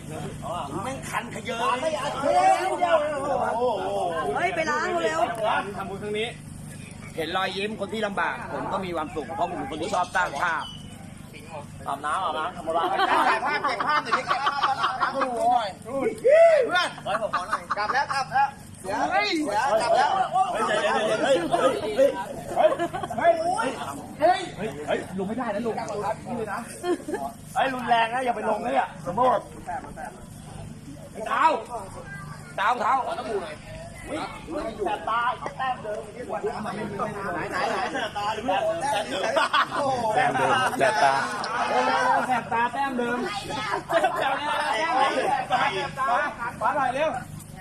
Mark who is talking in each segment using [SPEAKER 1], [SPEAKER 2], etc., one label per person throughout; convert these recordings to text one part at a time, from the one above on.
[SPEAKER 1] แม่งคันขยเยอะ
[SPEAKER 2] เฮ้ยไปล้างเร็ว
[SPEAKER 1] ทำบุญครั้งนี้ เห็นรอยยิ้มคนที่ลำบากผมก็มีความสุขเพราะผมเป็นคนที่ชอบสร้างภาพอาบน้ำทำอะไรถ่ายภาพเก็บภาพหน่อยดิเก็บภาพมาดูหน่อยเพื่อนขอผมขอหน่อยกลับแล้วกลับแล้วเฮ้ยกลับแล้วเฮ้ยลงไม่ได้นะลุงนี่นะไอ้รุนแรงนะอย่าไปลงนะเนี่ยสมมติเท้าต้องดูหน่อยแสบตาแต้มเดิมไหนตาหรือเปล่าแต้มเดิมแสบตาแต้มเดิมฟ้าหน่อยเร็ว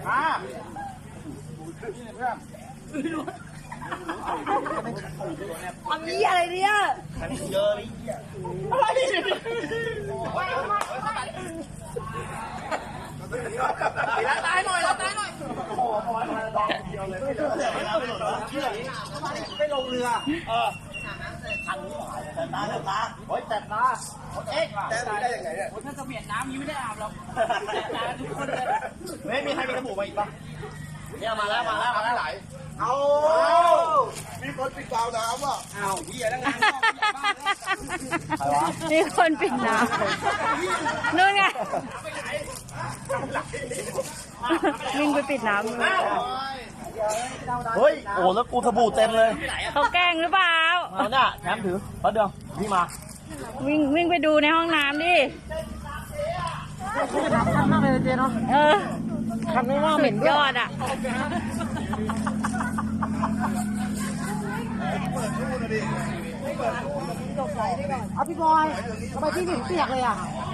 [SPEAKER 2] ทำนี้อะไรเนี่ย
[SPEAKER 1] เยอะเลยรับตายหน่อยโอ้โหพอมาลองเดียวเลยไม่ลงเรือทันแต่ตาโอ้ยแต่ตาแต่ได้ยังไงเนี่ยถ้าเสมียนน้ำยิ้มไม่ได้อาบหรอกแต่ตาทุกคนเลยไม่มีใครมีสบู่มาอีกปะเนี่ยมาแล้วไหลเอามีคนปิดกาวน้ำว่ะเอาเหี้ยแล้วงาน
[SPEAKER 2] มีคนปิดน้ำนู่นไงวิ่งไปปิดน้ำ
[SPEAKER 1] เฮ้ยโอ้แล้วกูสบู่เต็มเลย
[SPEAKER 2] เขาแกล้งหรือเปล่า
[SPEAKER 1] เอาเนี่ยแถมถือเพราะเดิมพี่มา
[SPEAKER 2] วิ่งไปดูในห้องน้ำดิ
[SPEAKER 1] คันมากเลยเจ๊เนาะคันไม่ว่าเหม็น
[SPEAKER 2] ยอดอ่ะ
[SPEAKER 3] เอาพี่บอยทำไมพี่ถึงเปียกเลยอ่ะ